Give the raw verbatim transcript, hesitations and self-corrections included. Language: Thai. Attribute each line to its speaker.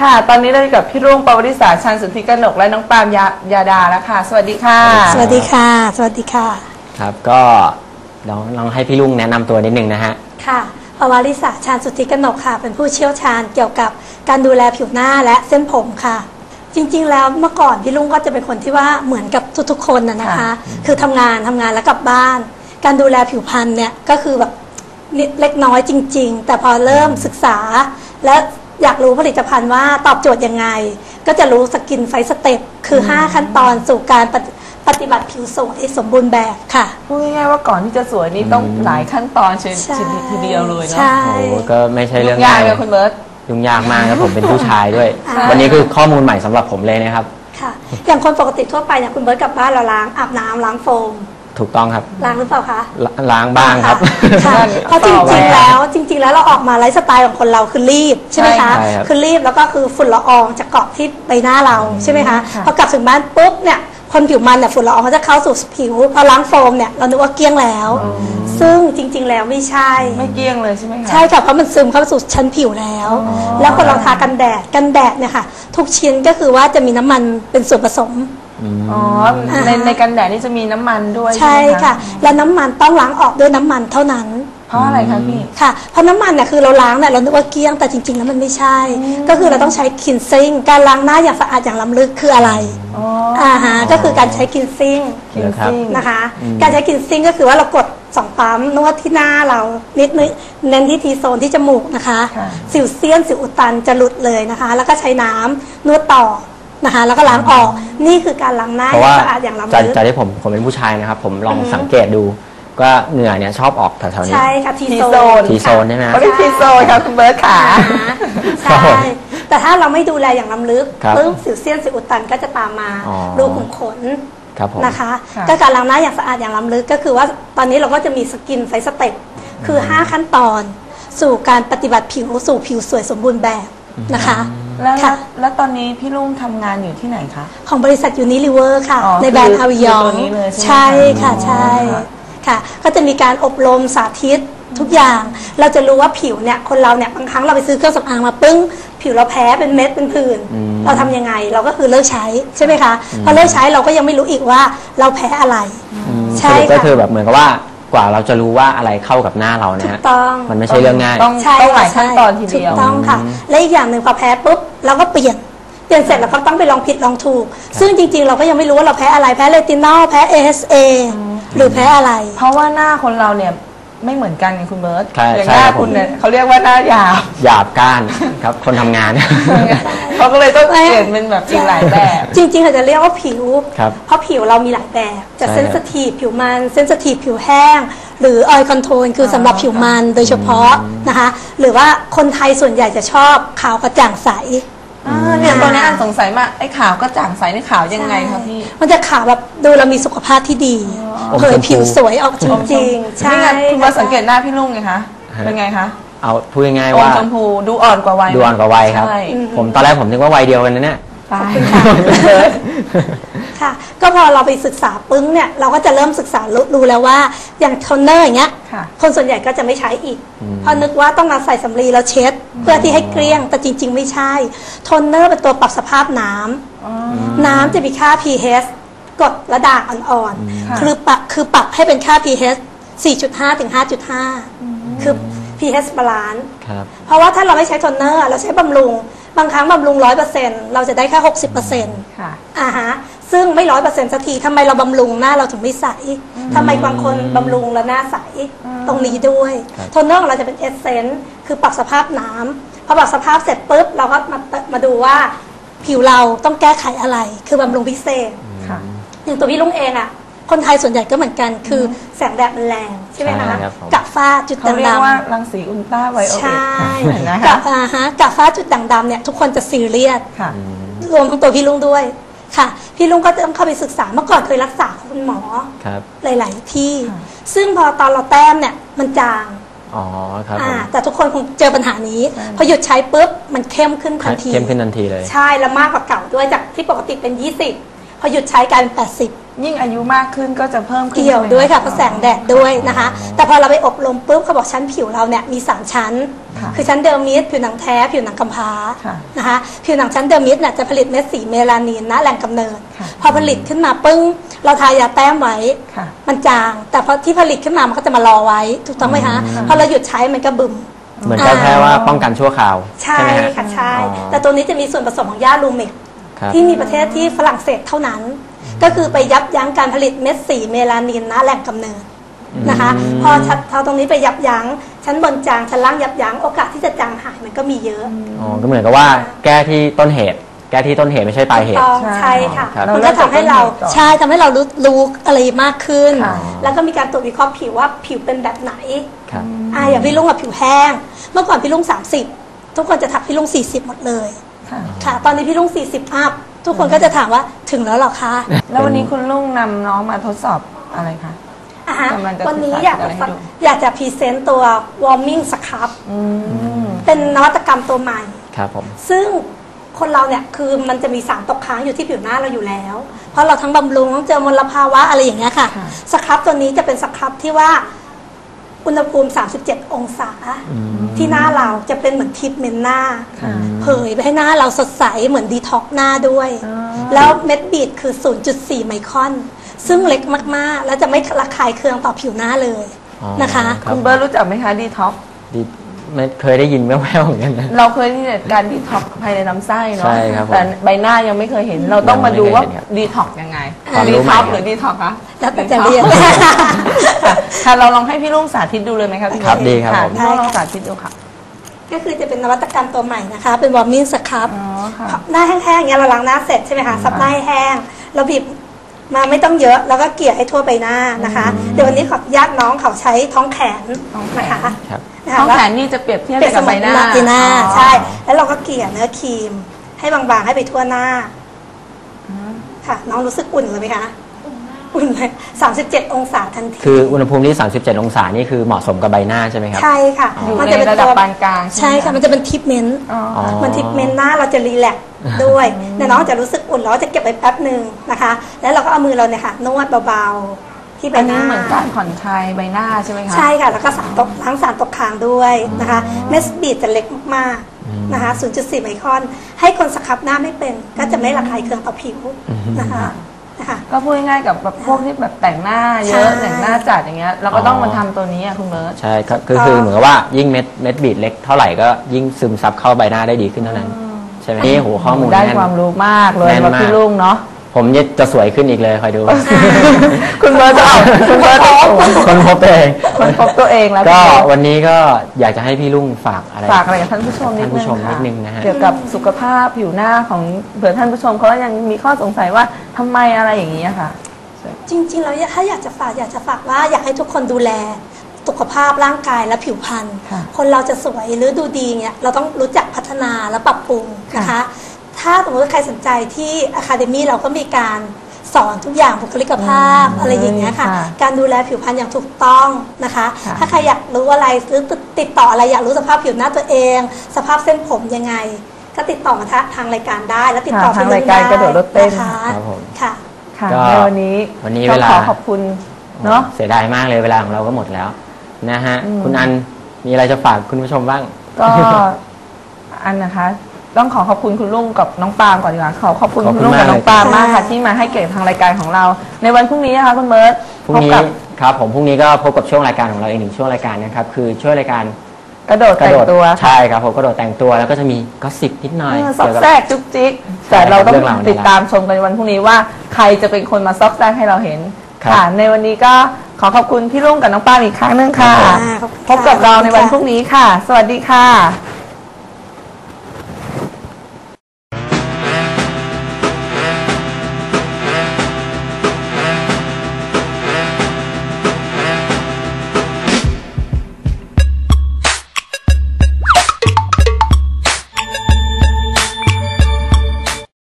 Speaker 1: ค่ะตอนนี้เราอยู่กับพี่รุ่งปวริษาชันสุทธิกนกและน้องปาล์มยายาดาแล้วค่ะสวัสดีค่ะ
Speaker 2: สวัสดีค่ะสวัสดีค่ะ
Speaker 3: ครับก็ลองลองให้พี่รุ่งแนะนำตัวนิดนึงนะฮะ
Speaker 2: ค่ะปวริษาชันสุทธิกนกค่ะเป็นผู้เชี่ยวชาญเกี่ยวกับการดูแลผิวหน้าและเส้นผมค่ะจริงๆแล้วเมื่อก่อนพี่รุ่งก็จะเป็นคนที่ว่าเหมือนกับทุกๆคนนะนะคะคือทำงานทำงานแล้วกลับบ้านการดูแลผิวพรรณเนี่ยก็คือแบบเล็กน้อยจริงๆแต่พอเริ่มศึกษาและอยากรู้ผลิตภัณฑ์ว่าตอบโจทย์ยังไงก็จะรู้สกินไฟสเต็ปคือห้าขั้นตอนสู่การปฏิบัติผิวสวยสมบูรณ์แบบค่ะ
Speaker 1: พูดง่ายๆว่าก่อนที่จะสวยนี่ต้องหลายขั้นตอนเช่นทีเดียวเลยเนาะ
Speaker 2: โ
Speaker 3: อ้ก็ไม่ใช่เรื่อง
Speaker 1: ง่ายเลยคุณเบิร์ต
Speaker 3: ยุ่งยากมากครับผมเป็นผู้ชายด้วยวันนี้คือข้อมูลใหม่สำหรับผมเลยนะครับ
Speaker 2: ค่ะอย่างคนปกติทั่วไปเนี่ยคุณเบิร์ตกลับบ้านเราล้างอาบน้ำล้างโฟม
Speaker 3: ถูกต้องครับ
Speaker 2: ล้างหรือเปล่าคะ
Speaker 3: ล้างบ้างครับ
Speaker 2: เพราะจริงๆแล้วจริงๆแล้วเราออกมาไลฟ์สไตล์ของคนเราคือรีบใช่ไหมคะคือรีบแล้วก็คือฝุ่นละอองจะเกาะที่ใบหน้าเราใช่ไหมคะพอกลับถึงบ้านปุ๊บเนี่ยคนผิวมันเนี่ยฝุ่นละอองเขาจะเข้าสู่ผิวพอล้างโฟมเนี่ยเรานึกว่าเกลี้ยงแล้วซึ่งจริงๆแล้วไม่ใช่
Speaker 1: ไม่เกลี้ยงเลยใช่ไหมคะ
Speaker 2: ใช่ค่ะเพราะมันซึมเข้าสู่ชั้นผิวแล้วแล้วคนเราทากันแดดกันแดดเนี่ยค่ะทุกชิ้นก็คือว่าจะมีน้ำมันเป็นส่วนผสม
Speaker 1: อ๋อในในกันแดดนี่จะมีน้ำมันด้วย
Speaker 2: ใช่ค่ะและน้ำมันต้องล้างออกด้วยน้ำมันเท่านั้น
Speaker 1: เพราะอะไรคะพี่
Speaker 2: ค่ะเพราะน้ำมันเนี่ยคือเราล้างเนี่ยเราคิดว่าเกลี้ยงแต่จริงๆแล้วมันไม่ใช่ก็คือเราต้องใช้คินซิ่งการล้างหน้าอย่างสะอาดอย่างล้ำลึกคืออะไรอ่าฮะก็คือการใช้คินซิ่งนะคะการใช้คินซิ่งก็คือว่าเรากดสองปั๊มนวดที่หน้าเรานิดนึงเน้นที่ทีโซนที่จมูกนะคะสิวเซียนสิวอุดตันจะหลุดเลยนะคะแล้วก็ใช้น้ำนวดต่อนะคะแล้วก็ล้างออกนี่คือการล้างหน้าอย่างสะอาดอย่างล้ำลึก
Speaker 3: จากที่ผมผมเป็นผู้ชายนะครับผมลองสังเกตดูก็เหงื่อเนี่ยชอบออกแถวๆนี้
Speaker 2: ใช่ค่ะทีโซน
Speaker 3: ทีโซนใช่ไหม
Speaker 1: เขาเรียกทีโซนครับคุณเบิร์ตขา
Speaker 2: ใช่แต่ถ้าเราไม่ดูแลอย่างล้ำลึกปึ๊บสิวเซียนสิวอุดตันก็จะตามมารูขุมขนนะคะก็การล้างหน้าอย่างสะอาดอย่างล้ำลึกก็คือว่าตอนนี้เราก็จะมีสกินไฟสเต็ปคือห้าขั้นตอนสู่การปฏิบัติผิวสู่ผิวสวยสมบูรณ์แบบนะคะ
Speaker 1: แล้วแล้วตอนนี้พี่ลุงทำงานอยู่ที่ไหนคะ
Speaker 2: ของบริษัทยูนิลิเวอร์ค่ะในแบรนด์อาวิยองใช่ค่ะใช่ค่ะก็จะมีการอบรมสาธิตทุกอย่างเราจะรู้ว่าผิวเนี่ยคนเราเนี่ยบางครั้งเราไปซื้อเครื่องสำอางมาปึ้งผิวเราแพ้เป็นเม็ดเป็นผื่นเราทำยังไงเราก็คือเลิกใช้ใช่ไหมคะพอเลิกใช้เราก็ยังไม่รู้อีกว่าเราแพ้อะไร
Speaker 3: ใช่ก็คือแบบเหมือนกับว่ากว่าเราจะรู้ว่าอะไรเข้ากับหน้าเราเนี่ยมันไม่ใช่เรื่องง่าย
Speaker 1: ต้องหลายขั้นตอนทีเดียว
Speaker 2: ถูกต้องค่ะและอีกอย่างหนึ่งพอแพ้ปุ๊บเราก็เปลี่ยนเปลี่ยนเสร็จแล้วก็ต้องไปลองผิดลองถูกซึ่งจริงๆเราก็ยังไม่รู้ว่าเราแพ้อะไรแพ้เรตินอลแพ้ เอ เอส เอ หรือแพ้อะไร
Speaker 1: เพราะว่าหน้าคนเราเนี่ยไม่เหมือนกันไงคุณเบิร์ตอย่างหน้าคุณเนี่ยเขาเรียกว่าหน้าหยาบ
Speaker 3: หยาบก้านครับคนทำงาน
Speaker 1: เขาก็เลยต้องเปลี่ยนเป็นแบบอีกหลายแบบ
Speaker 2: จริงๆเขาจะเรียกว่าผิวเพราะผิวเรามีหลายแบบจะเซนซิทีฟผิวมันเซนซิทีฟผิวแห้งหรือออยล์คอนโทรลคือสำหรับผิวมันโดยเฉพาะนะคะหรือว่าคนไทยส่วนใหญ่จะชอบขาวกระจ่างใส
Speaker 1: เนี่ยตอนนี้อันสงสัยมากไอ้ขาวกระจ่างใสนี่ขาวยังไงคะพี่
Speaker 2: มันจะขาวแบบดูเรามีสุขภาพที่ดีเผยผิวสวยออกจริงๆใช่
Speaker 1: คุณมาสังเกตหน้าพี่ลุงไงคะเป็นไงคะ
Speaker 3: เอาพูดง่ายๆว่า
Speaker 1: ชมพูดูอ่อนกว่าวัย
Speaker 3: ดูอ่อนกว่าวัยครับผมตอนแรกผมนึกว่าวัยเดียวกันนะเนี่ย
Speaker 2: ค่ะก็พอเราไปศึกษาปึ้งเนี่ยเราก็จะเริ่มศึกษารู้แล้วว่าอย่างโทนเนอร์อย่างเงี้ยคนส่วนใหญ่ก็จะไม่ใช้อีกเพราะนึกว่าต้องมาใส่สำลีแล้วเช็ดเพื่อที่ให้เกลี้ยงแต่จริงๆไม่ใช่โทนเนอร์เป็นตัวปรับสภาพน้ำน้ำจะมีค่า pH กดระด่างอ่อนๆคือปรับคือปรับให้เป็นค่า pH สี่จุดห้า ถึง ห้าจุดห้า คือ pH บาลานซ์เพราะว่าถ้าเราไม่ใช้โทนเนอร์เราใช้บำรุงบางครั้งบำรุง ร้อยเปอร์เซ็นต์ เราจะได้แค่ หกสิบเปอร์เซ็นต์ ค่ะอ่าฮะซึ่งไม่ ร้อยเปอร์เซ็นต์ สักทีทำไมเราบำรุงหน้าเราถึงไม่ใสทำไมบางคนบำรุงแล้วหน้าใสตรงนี้ด้วยโทนเนอร์ของเราจะเป็นเอสเซนส์คือปรับสภาพน้ำพอปรับสภาพเสร็จปุ๊บเราก็มามาดูว่าผิวเราต้องแก้ไขอะไรคือบำรุงพิเศษอย่างตัวพี่ลุงเองอ่ะคนไทยส่วนใหญ่ก็เหมือนกันคือแสงแดดมันแรงใช่ไหมคะกับฝ้าจุดด่างดำเขาเรียก
Speaker 1: ว่ารังสีอุลตราไวโอเลต
Speaker 2: ใช่กับอ่าฮะกับฝ้าจุดด่างดำเนี่ยทุกคนจะซีเรียสรวมทั้งตัวพี่ลุงด้วยค่ะพี่ลุงก็ต้องเข้าไปศึกษาเมื่อก่อนเคยรักษาคุณหมอหลายๆที่ซึ่งพอตอนเราแต้มเนี่ยมันจาง
Speaker 3: อ๋อครับ
Speaker 2: แต่ทุกคนคงเจอปัญหานี้พอหยุดใช้ปุ๊บมันเข้มขึ้นทันที
Speaker 3: เข้มขึ้นทันทีเลย
Speaker 2: ใช่แล้วมากกว่าเก่าด้วยจากที่ปกติเป็นยี่สิบพอหยุดใช้กลายเป็นแปดสิบ
Speaker 1: ยิ่งอายุมากขึ้นก็จะเพิ่มขึ้น
Speaker 2: เกี่ยวด้วยค่ะเพราะแสงแดดด้วยนะคะแต่พอเราไปอบรมปุ๊บเขาบอกชั้นผิวเราเนี่ยมีสามชั้นคือชั้นเดอร์มิสผิวหนังแท้ผิวหนังกำพร้านะคะผิวหนังชั้นเดอร์มิสเนี่ยจะผลิตเม็ดสีเมลานินนะแหล่งกำเนิดพอผลิตขึ้นมาปึ้งเราทายาแต้มไว้มันจางแต่พอที่ผลิตขึ้นมามันก็จะมารอไว้ถูกต้องไหมคะพอเราหยุดใช้มันก็บึม
Speaker 3: เหมือนแค่ว่าป้องกันชั่วคราว
Speaker 2: ใช่ค่ะใช่แต่ตัวนี้จะมีส่วนผสมของหญ้าลูเมกที่มีประเทศที่ฝรั่งเศสเท่านั้นก็คือไปยับยั้งการผลิตเม็ดสีเมลานินนะแหล่งกำเนิดนะคะพอพอตรงนี้ไปยับยั้งชั้นบนจางชั้นล่างยับยั้งโอกาสที่จะจางหายมันก็มีเยอะ
Speaker 3: อ๋อก็เหมือนกับว่าแก้ที่ต้นเหตุแก้ที่ต้นเหตุไม่ใช่ปลายเหตุ
Speaker 2: ใช่ค่ะมันก็ทำให้เราใช่ทำให้เรารู้รู้อะไรมากขึ้นแล้วก็มีการตรวจวิเคราะห์ผิวว่าผิวเป็นแบบไหนอ่าอย่างพี่ลุงกับผิวแห้งเมื่อก่อนพี่ลุงสามสิบทุกคนจะทักพี่ลุงสี่สิบหมดเลยค่ะตอนนี้พี่ลุงสี่สิบอัพทุกคนก็จะถามว่าถึงแล้วหรอคะ
Speaker 1: แล้ววันนี้คุณลุงนำน้องมาทดสอบอะไรคะ
Speaker 2: วันนี้อยากจะอยากจะพรีเซนต์ตัว warming scrub เป็นนวัตกรรมตัวใหม่
Speaker 3: ครับผม
Speaker 2: ซึ่งคนเราเนี่ยคือมันจะมีสารตกค้างอยู่ที่ผิวหน้าเราอยู่แล้วเพราะเราทั้งบำรุงต้องเจอมลภาวะอะไรอย่างเงี้ยค่ะสครับตัวนี้จะเป็นสครับที่ว่าอุณหภูมิสามสิบเจ็ดองศาที่หน้าเราจะเป็นเหมือนทิปเมนหน้าเผยไปให้หน้าเราสดใสเหมือนดีท็อกหน้าด้วยแล้วเม็ดบีดคือ ศูนย์จุดสี่ ไมครอนซึ่งเล็กมากๆแล้วจะไม่ระคายเคืองต่อผิวหน้าเลยนะคะ
Speaker 1: คุณเบิร์ดรู้จักไหมคะดีท็อก
Speaker 3: ไม่เคยได้ยินแว่วๆเหมือนกันนะ
Speaker 1: เราเคยที่การดีท็อกภายในลำไส้เนาะแต่ใบหน้ายังไม่เคยเห็นเราต้องมาดูว่าดีท็อกยังไงดีท็อกหรือดีท็อกคะ
Speaker 2: แล้วแต่จะเรียน
Speaker 1: ค่ะเราลองให้พี่ลุงสาธิตดูเลยไหมคะพี่
Speaker 3: ครับดีครับผม
Speaker 1: พี่ลุงลองสาธิตดูค่ะ
Speaker 2: ก็คือจะเป็นนวัตกรรมตัวใหม่นะคะเป็นวอร์มิ่งสครับหน้าแห้งๆอย่างเงี้ยเราล้างหน้าเสร็จใช่ไหมคะซับหน้าให้แห้งเราบีบมาไม่ต้องเยอะแล้วก็เกลี่ยให้ทั่วใบหน้านะคะเดี๋ยววันนี้ขออนุญาตน้องเขาใช้ท้องแขนนะคะ
Speaker 1: ท้องแขนนี่จะเปรียบเทียบกับใบหน้า
Speaker 2: ใหน้าใช่แล้วเราก็เกลี่ยเนื้อครีมให้บางๆให้ไปทั่วหน้าค่ะน้องรู้สึกอุ่นเลยไหมคะอุ่นเลยสามสิบเจ็ดองศาทันที
Speaker 3: คืออุณหภูมิที่สามสิบเจ็ดองศานี่คือเหมาะสมกับใบหน้าใช่ไหมครับ
Speaker 2: ใช่ค่ะ
Speaker 1: มันจะเป็นระดับปานกลาง
Speaker 2: ใช่ค่ะมันจะเป็นทิปเมนต์มันทิปเมนต์หน้าเราจะรีแลกซ์ด้วยแต่น้องจะรู้สึกอุ่นแล้วจะเก็บไปแป๊บหนึ่งนะคะแล้วเราก็เอามือเราเนี่ยค่ะนวดเบาๆที่ใบหน้า
Speaker 1: เหมือนการผ่อนคลายใบหน้าใช่ไหมคะ
Speaker 2: ใช่ค่ะแล้วก็สารตกทั้งสารตกค้างด้วยนะคะเม็ดบีดจะเล็กมากๆนะคะ ศูนย์จุดสี่ ไมครอนให้คนสครับหน้าไม่เป็นก็จะไม่ระคายเคืองต่อผิวนะคะ
Speaker 1: ก็พูดง่ายๆกับแบบพวกที่แบบแต่งหน้าเยอะแต่งหน้าจัดอย่างเงี้ยเราก็ต้องมาทำตัวนี้อ่ะคุณเบิร์ต
Speaker 3: ใช่ก็คือเหมือนกับว่ายิ่งเม็ดเม็ดบีดเล็กเท่าไหร่ก็ยิ่งซึมซับเข้าใบหน้าได้ดีขึ้นเท่านั้นใช่ไหมนี่โหข้อมูล
Speaker 1: ได้ความรู้มากเลยมาพี่ลุงเนาะ
Speaker 3: ผมจะสวยขึ้นอีกเลยคอยดู
Speaker 1: คุณเบิร์ตจะคุณเบิร์ต
Speaker 3: คนพบตัวเอง
Speaker 1: คนพบตัวเองแล้ว
Speaker 3: ก็วันนี้ก็อยากจะให้พี่ลุงฝากอะไร
Speaker 1: ฝากอะไรกับท่านผู้ชมนิด
Speaker 3: นึงนะฮะ
Speaker 1: เกี่ยวกับสุขภาพผิวหน้าของเผื่อท่านผู้ชมเขายังมีข้อสงสัยว่าทำไมอะไรอย่างนี้ค่ะ
Speaker 2: จริงๆแล้วถ้าอยากจะฝากอยากจะฝากว่าอยากให้ทุกคนดูแลสุขภาพร่างกายและผิวพรรณคนเราจะสวยหรือดูดีเนี่ยเราต้องรู้จักพัฒนาและปรับปรุงนะคะถ้าสมมติใครสนใจที่ Academy เราก็มีการสอนทุกอย่างบุคลิกภาพอะไรอย่างเงี้ยค่ะการดูแลผิวพรรณอย่างถูกต้องนะคะถ้าใครอยากรู้อะไรหรือติดต่ออะไรอยากรู้สภาพผิวหน้าตัวเองสภาพเส้นผมยังไงก็ติดต่อมาทางรายการได้แล้วติดต่อ
Speaker 1: ทางรายการกระโดดรถเต้น
Speaker 2: ค่ะค่ะ
Speaker 1: ในวันนี้
Speaker 3: วันนี้เวลา
Speaker 1: ขอขอบคุณเนาะ
Speaker 3: เสียดายมากเลยเวลาของเราก็หมดแล้วนะฮะคุณอันมีอะไรจะฝากคุณผู้ชมบ้าง
Speaker 1: ก็อันนะคะต้องขอขอบคุณคุณลุงกับน้องปาล์มก่อนดีกว่าขอขอบคุณคุณลุงกับน้องปาล์มมากค่ะที่มาให้เกียรติทางรายการของเราในวันพรุ่งนี้นะคะคุณเบิร์ต
Speaker 3: พรุ่งนี้ครับผมพรุ่งนี้ก็พบกับช่วงรายการของเราอีกหนึ่งช่วงรายการนะครับคือช่วงรายการ
Speaker 1: กระโดดแต่งตัว
Speaker 3: ใช่ครับผมกระโดดแต่งตัวแล้วก็จะมีก็สิบนิดหน่อย
Speaker 1: ซอกแซกจุ๊กจิ๊กแต่เราต้องติดตามชมกันวันพรุ่งนี้ว่าใครจะเป็นคนมาซอกแซกให้เราเห็นค่ะในวันนี้ก็ขอขอบคุณพี่ลุงกับน้องปาล์มอีกครั้งนึงค่ะพบกับเราในวันพรุ่งนี้ค่ะสวัสดีค่ะ